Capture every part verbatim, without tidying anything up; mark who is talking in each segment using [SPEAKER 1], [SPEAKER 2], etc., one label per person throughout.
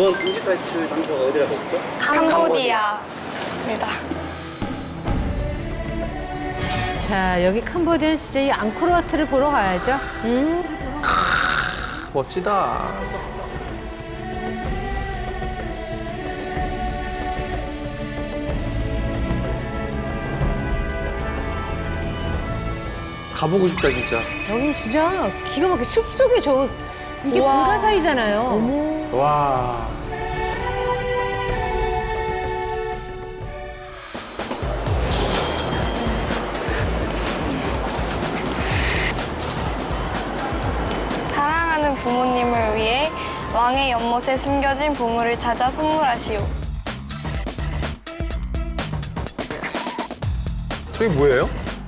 [SPEAKER 1] 이번 금지 탈출 장소가 어디라고 했죠?
[SPEAKER 2] 캄보디아입니다.
[SPEAKER 3] 자, 여기 캄보디아 진짜 이 앙코르와트를 보러 가야죠. 음.
[SPEAKER 4] 멋지다. 가보고 싶다 진짜.
[SPEAKER 3] 여긴 진짜 기가 막히게 숲속에 저 이게 불가사이잖아요.
[SPEAKER 4] 와.
[SPEAKER 2] 사랑하는 부모님을 위해 왕의 연못에 숨겨진 보물을 찾아 선물하시오.
[SPEAKER 4] 저게 뭐예요?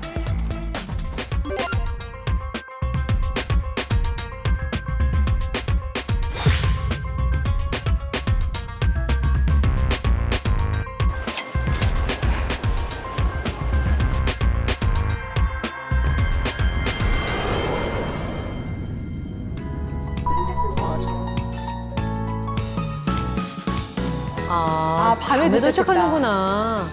[SPEAKER 3] 아, 밤에 도착하는구나.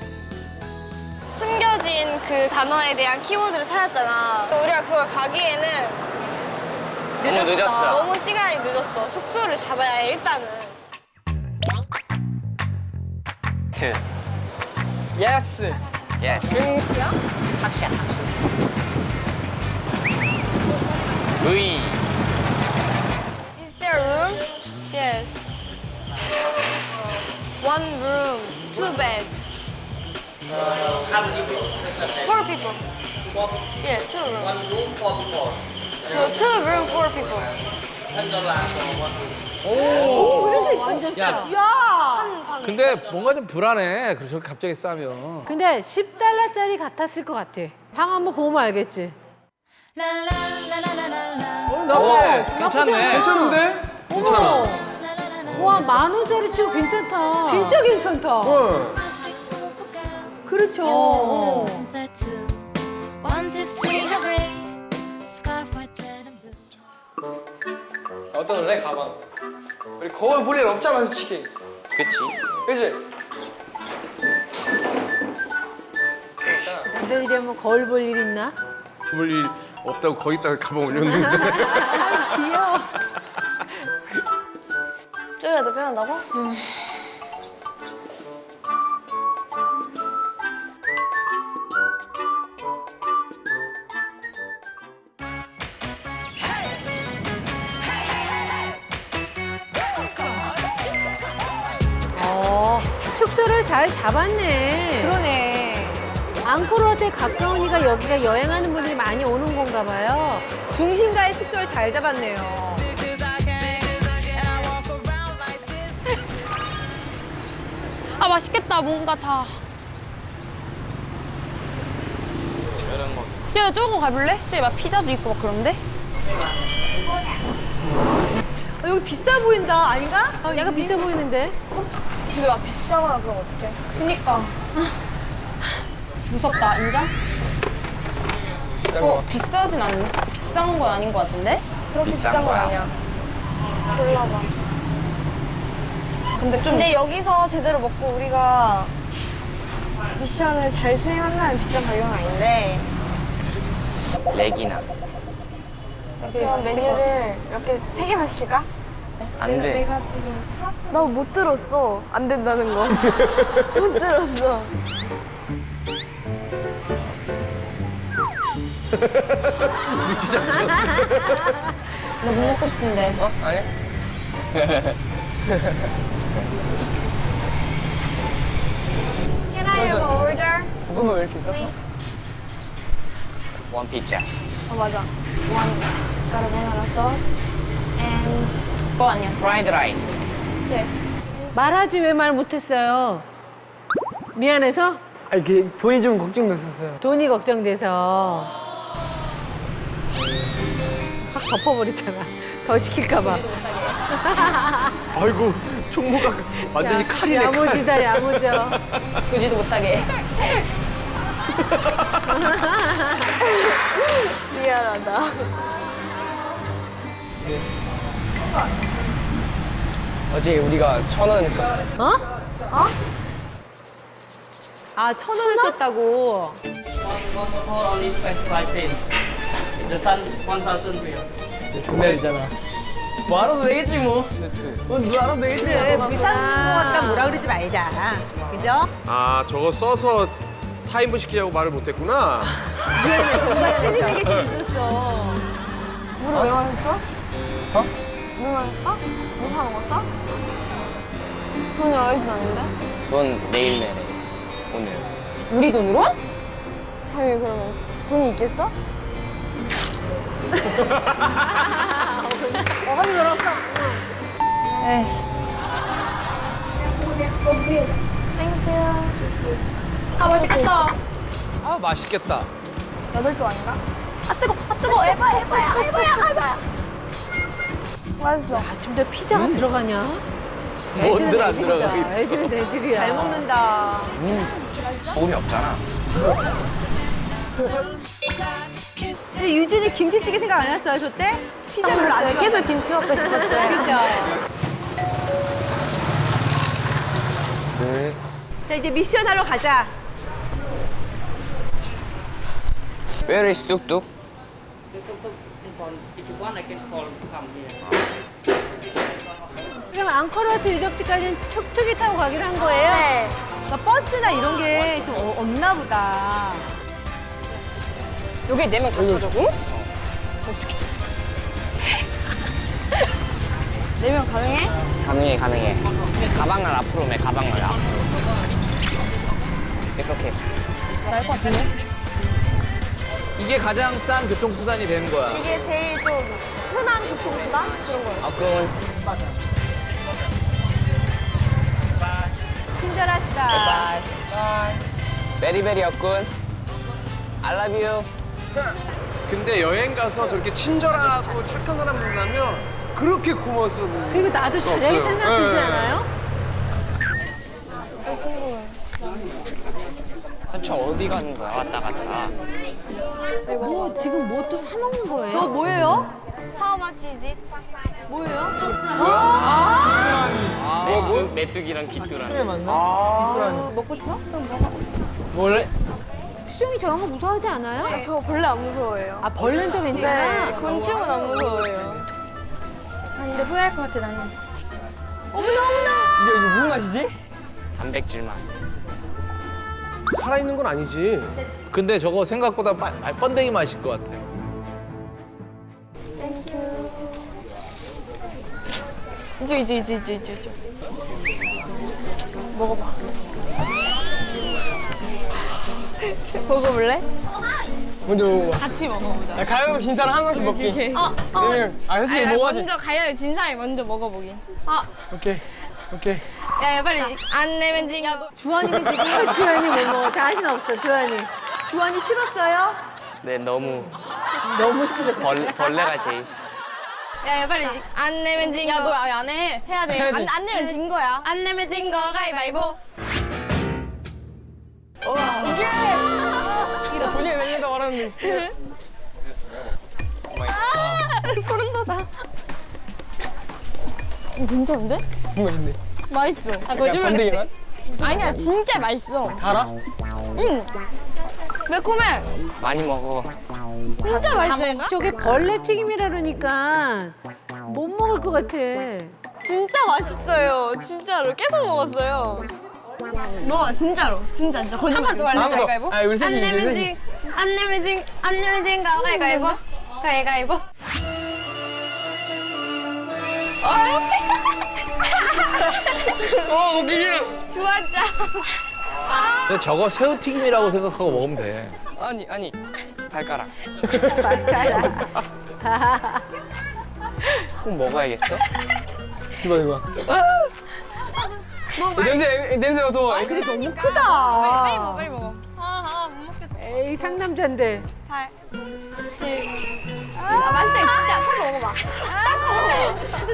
[SPEAKER 2] 숨겨진 그 단어에 대한 키워드를 찾았잖아. 우리가 그걸 가기에는
[SPEAKER 5] 너무 늦었어.
[SPEAKER 2] 너무 시간이 늦었어. 숙소를 잡아야 해, 일단은.
[SPEAKER 5] 트.
[SPEAKER 6] 예스.
[SPEAKER 5] 예스.
[SPEAKER 6] 탁시야 탁시.
[SPEAKER 5] V.
[SPEAKER 2] Is there room? Yes. One room, two bed. Four people. Yeah, two room. One room, four people. No, two room, four people.
[SPEAKER 6] 근데 뭔가 좀 불안해. 그래서 갑자기 싸면.
[SPEAKER 3] 근데 십 달러짜리 같았을 것 같아. 방 한번 보면 알겠지.
[SPEAKER 6] 어, 괜찮네.
[SPEAKER 4] 괜찮은데?
[SPEAKER 6] 괜찮아.
[SPEAKER 3] 와, 만 원짜리 치고 괜찮다. 진짜 괜찮다. 그렇죠. 어.
[SPEAKER 7] One, two, three, hooray! Scarf, white, red, and blue.
[SPEAKER 6] 어떠래 가방? 우리 거울 볼 일 없잖아 솔직히.
[SPEAKER 5] 그치.
[SPEAKER 6] 그치?
[SPEAKER 3] 남자들이 뭐 거울 볼 일 있나?
[SPEAKER 4] 볼 일 없다고 거기다가 가방 올렸는데.
[SPEAKER 3] 귀여워.
[SPEAKER 2] 쪼리라도 편한다고? 응.
[SPEAKER 3] 어, 숙소를 잘 잡았네.
[SPEAKER 8] 그러네.
[SPEAKER 3] 앙코르와트에 가까우니까 여기가 여행하는 분들이 많이 오는 건가 봐요.
[SPEAKER 8] 중심가의 숙소를 잘 잡았네요.
[SPEAKER 2] 아, 맛있겠다, 뭔가 다. 야, 저거 가볼래? 저기 막 피자도 있고 막 그런데?
[SPEAKER 8] 어, 여기 비싸 보인다, 아닌가? 어,
[SPEAKER 3] 약간 비싸 보이는데?
[SPEAKER 2] 근데 막 비싸거나 그럼 어떡해? 그니까. 무섭다, 인정? 어, 비싸진 않네. 비싼 건 아닌 것 같은데? 그렇게
[SPEAKER 5] 비싼
[SPEAKER 2] 비싼 건
[SPEAKER 5] 거야.
[SPEAKER 2] 아니야. 골라봐. 근데 좀. 근데 여기서 제대로 먹고 우리가 미션을 잘 수행한다면 비싼 가격은 아닌데.
[SPEAKER 5] 렉이나.
[SPEAKER 2] 그럼 메뉴를 몇 개, 세 개만 시킬까?
[SPEAKER 5] 안 돼.
[SPEAKER 2] 내가 지금. 나 못 들었어. 안 된다는 거. 못 들었어. 나 뭐 먹고 싶은데.
[SPEAKER 6] 어? 아니?
[SPEAKER 2] Can I have an order?
[SPEAKER 6] 고구마 왜 이렇게 쌌어?
[SPEAKER 5] 원 피자.
[SPEAKER 2] 어, 맞아. One carbonara sauce and
[SPEAKER 5] 그거 아니야? 프라이드 라이스.
[SPEAKER 3] 말하지 왜 말 못했어요? 미안해서?
[SPEAKER 6] 아니 그 돈이 좀 걱정됐었어요.
[SPEAKER 3] 돈이 걱정돼서. 확 덮어버리잖아. 더 시킬까 봐.
[SPEAKER 4] 아이고 총무가 완전히
[SPEAKER 3] 야,
[SPEAKER 4] 칼이네 칼.
[SPEAKER 3] 야무지다, 야무져.
[SPEAKER 2] 구지도 못하게. 미안하다.
[SPEAKER 6] 어제 우리가 천 원 했었어.
[SPEAKER 3] 어?
[SPEAKER 8] 아, 천 원을 썼다고.
[SPEAKER 6] 금메달이잖아. 뭐 알아도 되겠지 뭐. 뭐 누가 알아도 되겠지.
[SPEAKER 8] 그래, 비싼 거 같다 뭐라 그러지 말자. 그죠?
[SPEAKER 4] 아 저거 써서 사 인분 시키자고 말을 못했구나.
[SPEAKER 8] 뭔가 찔리는 게 좀 있었어.
[SPEAKER 2] 물을 왜 마셨어? 어? 물 마셨어? 뭐 사 먹었어? 돈이 어디서 났는데?
[SPEAKER 5] 그건 내일 내래. 오늘.
[SPEAKER 2] 우리 돈으로? 당연히 그러면 돈이 있겠어? 어감이 들었어. 에이. 땡큐. 아 맛있겠다.
[SPEAKER 4] 아 맛있겠다.
[SPEAKER 2] 여덟 조 아닌가? 아 뜨거, 아 뜨거. 에바야, 에바야, 에바야, 에바야. 맛있어.
[SPEAKER 3] 아침부터 피자가 들어가냐?
[SPEAKER 4] 뭔들 안 들어가.
[SPEAKER 3] 애들은 애들이야.
[SPEAKER 8] 잘 먹는다.
[SPEAKER 5] 소금이 없잖아.
[SPEAKER 8] 근데 유진이 김치찌개 생각 안 했어요, 저 때? 피자 별로 안
[SPEAKER 2] 네, 계속 김치 먹고 싶었어요.
[SPEAKER 8] 그죠? 자, 이제 미션 하러 가자.
[SPEAKER 5] Where is 뚝뚝?
[SPEAKER 3] 그럼 앙코르와트 유적지까지는 툭툭이 타고 가기로 한 거예요?
[SPEAKER 2] 네.
[SPEAKER 8] 그러니까 버스나 이런 게 좀 없나 보다.
[SPEAKER 2] 여기 내면 가능하다고? 내면 가능해?
[SPEAKER 5] 가능해 가능해. 가방을 앞으로 매 가방을 앞으로. 이렇게.
[SPEAKER 2] 나을 것 같은데?
[SPEAKER 4] 이게 가장 싼 교통수단이 되는 거야.
[SPEAKER 2] 이게 제일 좀 흔한 교통수단? 그런 거예요.
[SPEAKER 5] 아 그럼
[SPEAKER 8] 친절하시다.
[SPEAKER 5] 베리베리 역군. I love you.
[SPEAKER 4] 근데 여행 가서 저렇게 친절하고 착한 사람 만나면 그렇게 고마웠어.
[SPEAKER 3] 그리고 나도 잘해야겠다는 생각
[SPEAKER 4] 없어요.
[SPEAKER 3] 들지
[SPEAKER 4] 네.
[SPEAKER 3] 않아요?
[SPEAKER 5] 저 어디 가는 거야 왔다 갔다.
[SPEAKER 3] 뭐 지금 뭐 또 사 먹는 거예요?
[SPEAKER 8] 저 뭐예요?
[SPEAKER 2] How much is it?
[SPEAKER 8] 뭐예요?
[SPEAKER 5] 뭐, 뭐? 메뚜기랑 귀뚜라미.
[SPEAKER 6] 맞나?
[SPEAKER 2] 먹고 싶어? 그럼 먹어.
[SPEAKER 6] 원래
[SPEAKER 3] 수영이 저런 거 무서워하지 않아요?
[SPEAKER 2] 아, 저 벌레 안 무서워해요.
[SPEAKER 3] 아 벌레는 또 괜찮아?
[SPEAKER 2] 네, 곤충은 안 무서워해요. 아, 근데 후회할 것 같아, 나는.
[SPEAKER 6] 이게 이거 무슨 맛이지?
[SPEAKER 5] 단백질 맛.
[SPEAKER 4] 살아있는 건 아니지.
[SPEAKER 9] 근데 저거 생각보다 빠- 아, 번데기 맛일 것 같아.
[SPEAKER 2] 이제, 이제, 이제, 이제, 이제, 이제. 먹어봐. 먹어볼래?
[SPEAKER 6] 먼저 먹어봐.
[SPEAKER 2] 같이 먹어보자.
[SPEAKER 6] 야, 가위바위보 진 사람 한 명씩 먹기.
[SPEAKER 2] 어, 어.
[SPEAKER 6] 왜냐면 아 솔직히
[SPEAKER 2] 아니,
[SPEAKER 6] 먹어야지.
[SPEAKER 2] 먼저 가요. 진 사람이 먼저 먹어보긴. 아,
[SPEAKER 6] 오케이 오케이.
[SPEAKER 2] 야, 야, 빨리. 안 내면 진 거.
[SPEAKER 8] 주환이는 지금
[SPEAKER 3] 주환이 뭐 먹어? 자신 없어 주환이.
[SPEAKER 8] 주환이 싫었어요?
[SPEAKER 5] 네 너무
[SPEAKER 3] 너무 싫어.
[SPEAKER 5] 벌, 벌레가 제일.
[SPEAKER 2] 야, 야, 빨리. 안 내면 진 거.
[SPEAKER 8] 야, 너 아예 안 해.
[SPEAKER 2] 해야 돼.
[SPEAKER 6] 해야 돼.
[SPEAKER 2] 안, 안 내면 진 거야. 안 내면 진 거 가위바위보.
[SPEAKER 6] 도저히 내려다 말하는데.
[SPEAKER 2] 소름 돋아. 이거 괜찮은데?
[SPEAKER 6] 뭔가 있네.
[SPEAKER 2] 맛있어.
[SPEAKER 8] 아,
[SPEAKER 6] 야, 번데기 맛?
[SPEAKER 2] 아니야, 진짜 맛있어.
[SPEAKER 6] 달아?
[SPEAKER 2] 응. 매콤해.
[SPEAKER 5] 많이 먹어.
[SPEAKER 2] 진짜 맛있다니까?
[SPEAKER 3] 저게 벌레 튀김이라 그러니까 못 먹을 것 같아.
[SPEAKER 2] 진짜 맛있어요. 진짜로. 계속 먹었어요. 먹어, 진짜로. 진짜, 진짜. 한 번 더 할래,
[SPEAKER 6] 한 번 더.
[SPEAKER 2] 가위바위보?
[SPEAKER 6] 아, 우리 셋이
[SPEAKER 2] 안
[SPEAKER 6] 이제
[SPEAKER 2] 내면
[SPEAKER 6] 셋이.
[SPEAKER 2] 진, 안 내면 진, 안 내면 진 거 가위바위보. 가위바위보.
[SPEAKER 6] 어 먹기 싫어.
[SPEAKER 2] 좋았죠?
[SPEAKER 9] 근데 저거 새우튀김이라고 생각하고 먹으면 돼.
[SPEAKER 5] 아니 아니 발가락. 꼭 먹어야겠어?
[SPEAKER 6] 이봐 이봐.
[SPEAKER 2] 뭐, 빨리,
[SPEAKER 6] 냄새 냄새 맡아봐.
[SPEAKER 2] 근데 너무
[SPEAKER 8] 크다.
[SPEAKER 2] 빨리 먹어, 빨리 먹어.
[SPEAKER 3] 에이 상남자인데.
[SPEAKER 2] 팔, 칠. 아, 맛있다. 진짜. 딱 먹어봐. 딱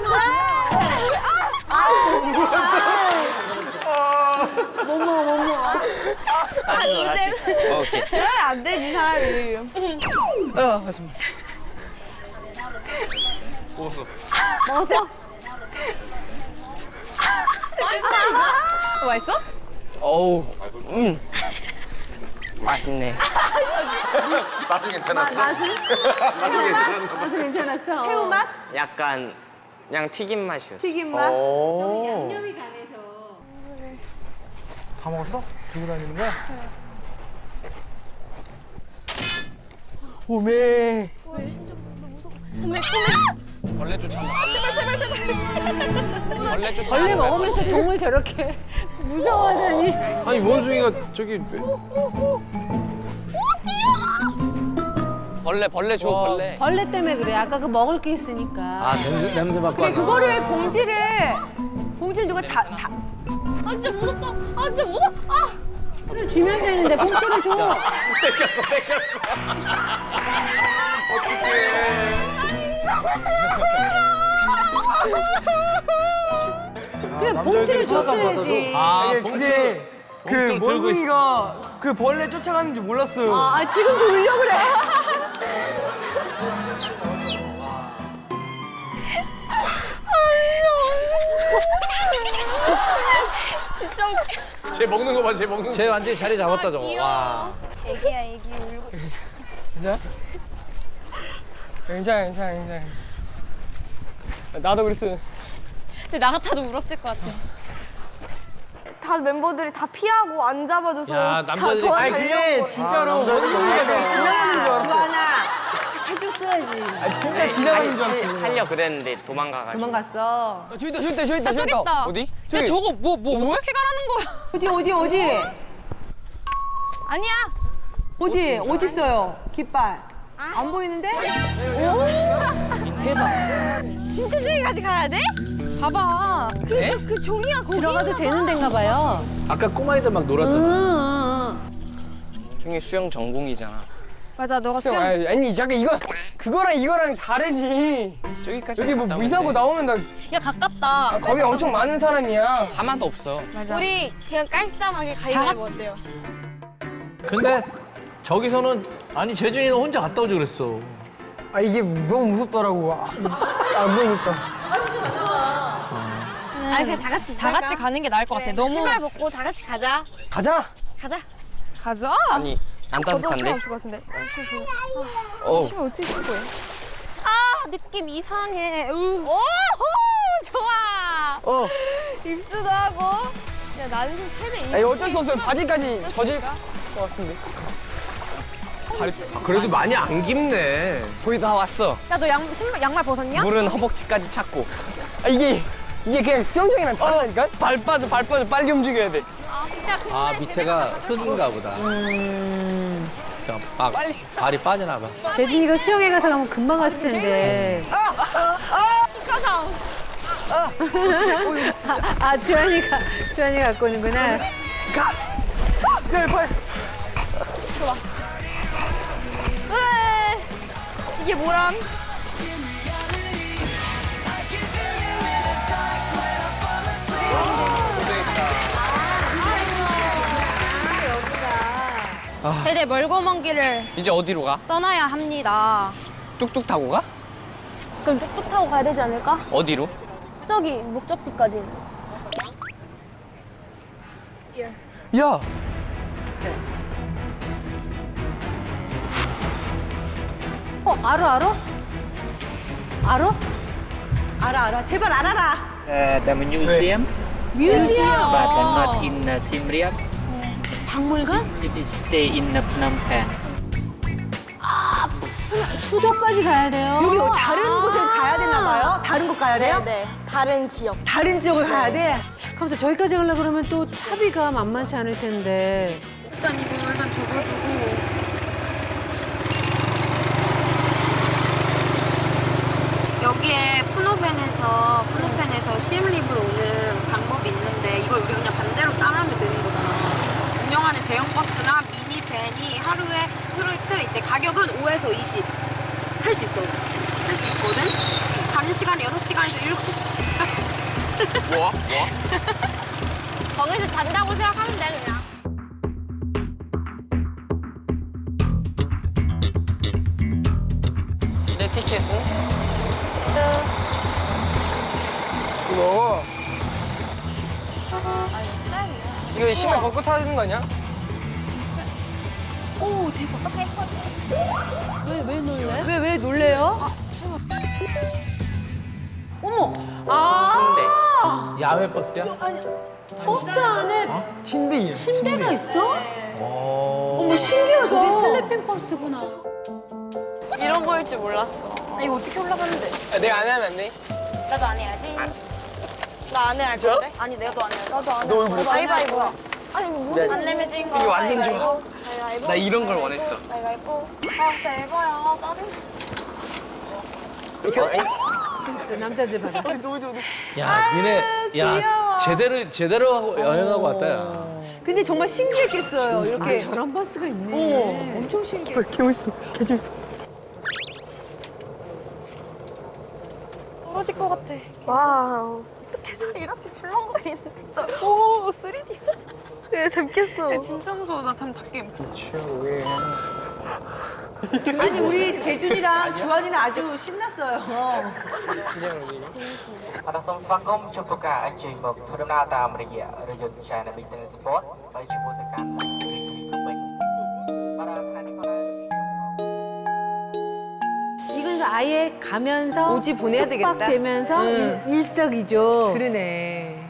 [SPEAKER 2] 먹어. 못 먹어, 못 먹어.
[SPEAKER 5] 다시 다시. 어, 오케이.
[SPEAKER 2] 그러면 안 되지, 사람이.
[SPEAKER 6] 아 맞습니다.
[SPEAKER 2] 먹었어? 맛있어?
[SPEAKER 6] 어우. 음.
[SPEAKER 5] 맛있네.
[SPEAKER 4] 맛은 괜찮았어?
[SPEAKER 8] 맛은?
[SPEAKER 3] 아주 괜찮았어.
[SPEAKER 8] 새우 맛?
[SPEAKER 5] 약간 그냥 튀김 맛이요.
[SPEAKER 8] 튀김 맛?
[SPEAKER 6] 오.
[SPEAKER 3] 양념이 강해서.
[SPEAKER 10] 다 먹었어? 들고 다니는 거야?
[SPEAKER 6] 오메.
[SPEAKER 5] 벌레 쫓아온다. 제발 제발 제발. 벌레 쫓아.
[SPEAKER 3] 벌레 먹으면서 종을 저렇게 무서워하다니.
[SPEAKER 9] 아니 원숭이가 저기
[SPEAKER 5] 벌레 벌레 줘 벌레.
[SPEAKER 3] 벌레 때문에 그래. 아까 그 먹을 게 있으니까.
[SPEAKER 9] 아 냄새 냄새 맡고
[SPEAKER 8] 근데
[SPEAKER 9] 하나.
[SPEAKER 8] 그거를 봉지를 봉지를 누가 다, 다
[SPEAKER 2] 아 진짜 무섭다. 아 진짜 무섭. 아.
[SPEAKER 3] 봉투를 주면 되는데 봉투를 줘.
[SPEAKER 4] 뺏겼어 뺏겼어.
[SPEAKER 3] 그냥 봉투를 줬어야지.
[SPEAKER 9] 아
[SPEAKER 6] 이게
[SPEAKER 9] 봉투.
[SPEAKER 6] 그게 그
[SPEAKER 9] 봉투를 들고
[SPEAKER 6] 원숭이가 그 벌레 쫓아가는 줄 몰랐어요.
[SPEAKER 8] 아, 지금도 울려 그래.
[SPEAKER 4] 쟤 먹는 거 봐, 쟤 먹는 거.
[SPEAKER 9] 쟤 완전히 자리 잡았다 저거. 와.
[SPEAKER 2] 애기야 애기 울고 있어.
[SPEAKER 6] 괜찮아? 괜찮아, 괜찮아, 괜찮아. 나도 그랬어.
[SPEAKER 2] 근데 나 같아도 울었을 것 같아. 다 멤버들이 다 피하고 안 잡아줘서
[SPEAKER 9] 야,
[SPEAKER 2] 다
[SPEAKER 9] 남자들이-
[SPEAKER 2] 저한테
[SPEAKER 6] 아니 그게
[SPEAKER 2] 달려온
[SPEAKER 6] 진짜로 원숭이가 그냥 지나가는 줄 알았어.
[SPEAKER 8] 주하나 해줬어야지.
[SPEAKER 6] 아, 진짜 지나가는 줄 알았어.
[SPEAKER 5] 하려 그랬는데 도망가가지고.
[SPEAKER 8] 도망갔어.
[SPEAKER 6] 아, 저기 있다, 저기 있다, 저기 있다, 저기 있다.
[SPEAKER 5] 어디?
[SPEAKER 6] 저기.
[SPEAKER 2] 저거 뭐 뭐 어떻게 가라는 거야?
[SPEAKER 8] 어디 어디 어디
[SPEAKER 2] 아니야.
[SPEAKER 8] 어디 어디 있어요? 깃발. 안 보이는데?
[SPEAKER 2] 진짜 저기까지 가야 돼? 봐봐. 그,
[SPEAKER 3] 네?
[SPEAKER 2] 그 종이야 거기.
[SPEAKER 3] 들어가도 되는 데인가 봐요.
[SPEAKER 9] 아까 꼬마애들 막
[SPEAKER 3] 응,
[SPEAKER 9] 놀았잖아.
[SPEAKER 3] 응, 응.
[SPEAKER 5] 형이 수영 전공이잖아.
[SPEAKER 2] 맞아 너가
[SPEAKER 6] 수영,
[SPEAKER 2] 수영.
[SPEAKER 6] 아니, 아니 잠깐 이거 그거랑 이거랑 다르지.
[SPEAKER 5] 저기까지
[SPEAKER 6] 여기 뭐
[SPEAKER 5] 갔다
[SPEAKER 6] 미사고
[SPEAKER 5] 오는데
[SPEAKER 6] 나오면 나
[SPEAKER 2] 야 가깝다.
[SPEAKER 6] 거기 엄청 많은 사람이야.
[SPEAKER 5] 하나도 없어.
[SPEAKER 2] 맞아. 우리 그냥 깔쌈하게 가위바위보 어때요?
[SPEAKER 9] 근데 저기서는 아니 재준이는 혼자 갔다 오지 그랬어.
[SPEAKER 6] 아 이게 너무 무섭더라고. 아, 안 보니까.
[SPEAKER 2] 아니 그냥 다 같이 다 같이 가는 게 나을 것 같아. 너무 신발 벗고 다 같이 가자.
[SPEAKER 6] 가자.
[SPEAKER 2] 가자. 가자.
[SPEAKER 5] 아니 안 따뜻한데?
[SPEAKER 2] 없을 것 같은데.
[SPEAKER 5] 어.
[SPEAKER 2] 신발 어떻게 신고 해? 아 느낌 이상해. 오호 좋아.
[SPEAKER 6] 어.
[SPEAKER 2] 입수도 하고. 야 나는 좀 최대.
[SPEAKER 6] 아니 어쩔 수 없어요. 바지까지 젖을 것 같은데.
[SPEAKER 9] 아, 그래도 많이 안 깊네.
[SPEAKER 5] 거의 다 왔어.
[SPEAKER 2] 야너 양 신발 양말 벗었냐?
[SPEAKER 5] 물은 허벅지까지 찼고.
[SPEAKER 6] 아 이게 이게 그냥 수영장이랑 다르다니까?
[SPEAKER 5] 발 빠져 발 빠져 빨리 움직여야 돼.
[SPEAKER 9] 아 밑에가 흙인가 보다. 음. 막 발이 빠지나 봐.
[SPEAKER 3] 재진이가 수영회 가서 가면 금방 갔을 텐데.
[SPEAKER 2] 가자.
[SPEAKER 3] 아, 아 주환이가 주환이가 갖고 오는구나.
[SPEAKER 6] 네, 발.
[SPEAKER 2] 으 이게 뭐람? 대대 멀고 먼 길을
[SPEAKER 5] 이제 어디로 가?
[SPEAKER 2] 떠나야 합니다.
[SPEAKER 5] 뚝뚝 타고 가?
[SPEAKER 2] 그럼 뚝뚝 타고 가야 되지 않을까?
[SPEAKER 5] 어디로?
[SPEAKER 2] 저기 목적지까지.
[SPEAKER 9] 야.
[SPEAKER 3] 어 알아 알아? 알아?
[SPEAKER 8] 알아 알아. 제발 알아라.
[SPEAKER 1] Uh, the museum,
[SPEAKER 3] 뮤지엄.
[SPEAKER 1] but not in uh, Siem Reap.
[SPEAKER 3] 박물관?
[SPEAKER 1] It is stay in uh, Phnom Penh.
[SPEAKER 3] 수도까지 가야 돼요.
[SPEAKER 8] 여기 다른 곳에 가야 되나 봐요? 다른 곳 가야 돼요?
[SPEAKER 2] 네. 다른 지역.
[SPEAKER 8] 다른 지역을 가야 돼?
[SPEAKER 3] 가면서 저기까지 가려고 그러면 또 차비가 만만치 않을 텐데.
[SPEAKER 2] 일단 이거 일단 적어두고.
[SPEAKER 11] 여기에 푸노펜에서 푸노펜에서 시엠립으로 오는 방법이 있는데 이걸 우리가 그냥 반대로 따라하면 되는 거잖아. 운영하는 대형 버스나 미니 밴이 하루에 하루에 스타일 때 가격은 오에서 이십 탈 수 있어. 탈 수 있거든. 가는 시간이 여섯 시간에서 일곱 시간.
[SPEAKER 5] 뭐? 뭐?
[SPEAKER 2] 거기서 잔다고 생각하면 돼 그냥.
[SPEAKER 5] 내 티켓은?
[SPEAKER 6] 이거
[SPEAKER 2] 아니 짠.
[SPEAKER 6] 이거 신발 벗고 타는 거 아니야?
[SPEAKER 3] 왜, 왜 놀래?
[SPEAKER 8] 왜, 왜 놀래요?
[SPEAKER 3] 어머!
[SPEAKER 9] 야외 버스야?
[SPEAKER 3] 버스 안에
[SPEAKER 6] 침대.
[SPEAKER 3] 침대가 있어?
[SPEAKER 8] 어머, 신기하다.
[SPEAKER 3] 그게 슬리핑 버스구나.
[SPEAKER 2] 이런 거일 줄 몰랐어.
[SPEAKER 11] 아, 이거 어떻게 올라가는데?
[SPEAKER 6] 아, 내가 안 하면 안 돼?
[SPEAKER 11] 나도 안 해야지.
[SPEAKER 2] 나 안 해 할 건데?
[SPEAKER 11] 아니, 내가 안 해야지.
[SPEAKER 2] 나도 안 해.
[SPEAKER 6] 너 얼굴
[SPEAKER 2] 가위바위보야. 아니 뭐
[SPEAKER 6] 네.
[SPEAKER 11] 안 내면 진 거.
[SPEAKER 6] 이게 완전 좋아.
[SPEAKER 2] 가위바위보.
[SPEAKER 6] 나 이런 걸 원했어.
[SPEAKER 2] 가위바위보. 아 진짜 에바야. 짜증나.
[SPEAKER 6] 이거 아니지?
[SPEAKER 3] 저 남자들 봐라.
[SPEAKER 9] 야, 니네, 야, 제대로, 제대로 하고 여행하고 왔다, 야.
[SPEAKER 8] 근데 정말 신기했겠어요. 이렇게.
[SPEAKER 3] 저런 버스가 있네.
[SPEAKER 8] 어, 엄청 신기해.
[SPEAKER 11] 떨어질 것 같아. 와, 어떻게 저 이렇게 출렁거리는데. 오, 쓰리디. 야, 재밌겠어. 야, 진짜 무서워. 나 잠 닿게.
[SPEAKER 8] 아니, 우리 재준이랑 주환이는 아주 신났어요.
[SPEAKER 10] អរសូមស្វាគមន៍ជួបឱកាសអញ្ជើញមកធ្វើដំណើរតាមរយៈរថយន្ត China Business Sport ហើយជាមួយទៅកាន់រាជធានីភ្នំពេញបាទថ្ងៃនេះក៏បាន
[SPEAKER 3] 이건 아예 가면서
[SPEAKER 8] 오지 보내야 되겠다.
[SPEAKER 3] 숙박되면서
[SPEAKER 8] 응.
[SPEAKER 3] 일- 일석이조.
[SPEAKER 8] 그러네.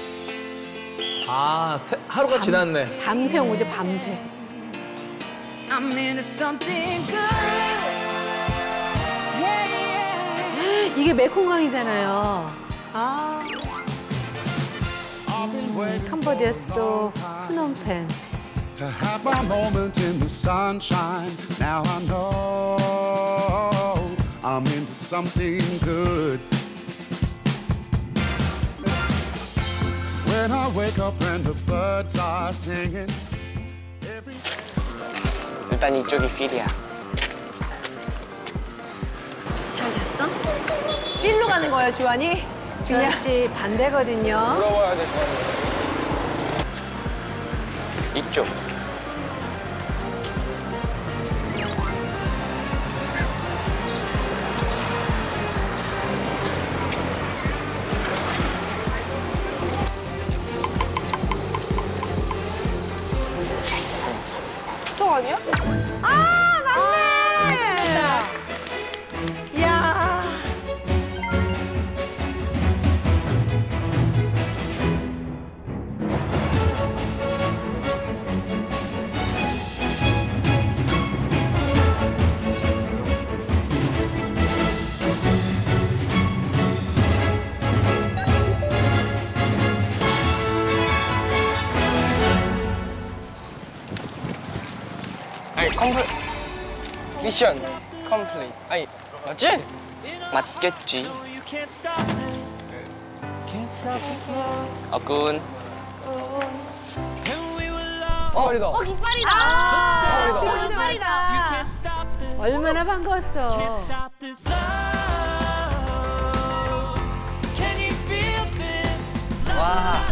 [SPEAKER 9] 아, 세- 하루가 지났네.
[SPEAKER 3] 밤새 온 거죠, 밤새.
[SPEAKER 7] I'm into something good. Yeah, yeah.
[SPEAKER 3] 이게 메콩강이잖아요. 아. 음, 캄보디아 수도 프놈펜.
[SPEAKER 12] To have my moment in the sunshine. Now I know I'm into something good. When I wake up and the birds are singing.
[SPEAKER 6] 일단 이쪽이 필이야.
[SPEAKER 8] 잘 잤어? 필로 가는 거예요, 주환이?
[SPEAKER 3] 주현 씨 반대거든요.
[SPEAKER 6] 물어봐야 될 것 같아. 이쪽.
[SPEAKER 2] 저 아니야?
[SPEAKER 8] 아, 맞네! 이야.
[SPEAKER 6] 아니, 컴플 미션 컴플릿. 아니, 맞지? 맞겠지. 어군. 어, 머리다.
[SPEAKER 2] 어 깃발이다.
[SPEAKER 8] 아,
[SPEAKER 2] 어 깃발이다.
[SPEAKER 3] 얼마나 반가웠어.
[SPEAKER 6] 와.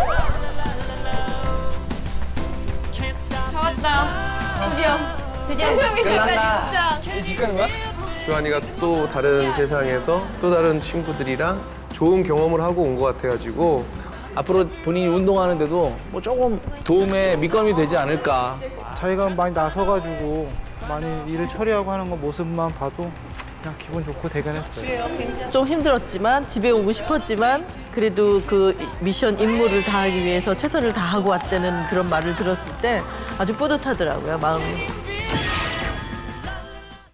[SPEAKER 2] 잡았다. 드디어. 재정이
[SPEAKER 6] 끝난다.
[SPEAKER 2] 시작까지
[SPEAKER 6] 집 가는 거야?
[SPEAKER 4] 주한이가 또 다른 세상에서 또 다른 친구들이랑 좋은 경험을 하고 온 것 같아가지고
[SPEAKER 9] 앞으로 본인이 운동하는데도 뭐 조금 도움에 밑거름이 되지 않을까.
[SPEAKER 13] 자기가 많이 나서가지고 많이 일을 처리하고 하는 거 모습만 봐도 그냥 기분 좋고 대견했어요.
[SPEAKER 14] 좀 힘들었지만 집에 오고 싶었지만 그래도 그 미션 임무를 다하기 위해서 최선을 다하고 왔다는 그런 말을 들었을 때 아주 뿌듯하더라고요, 마음이.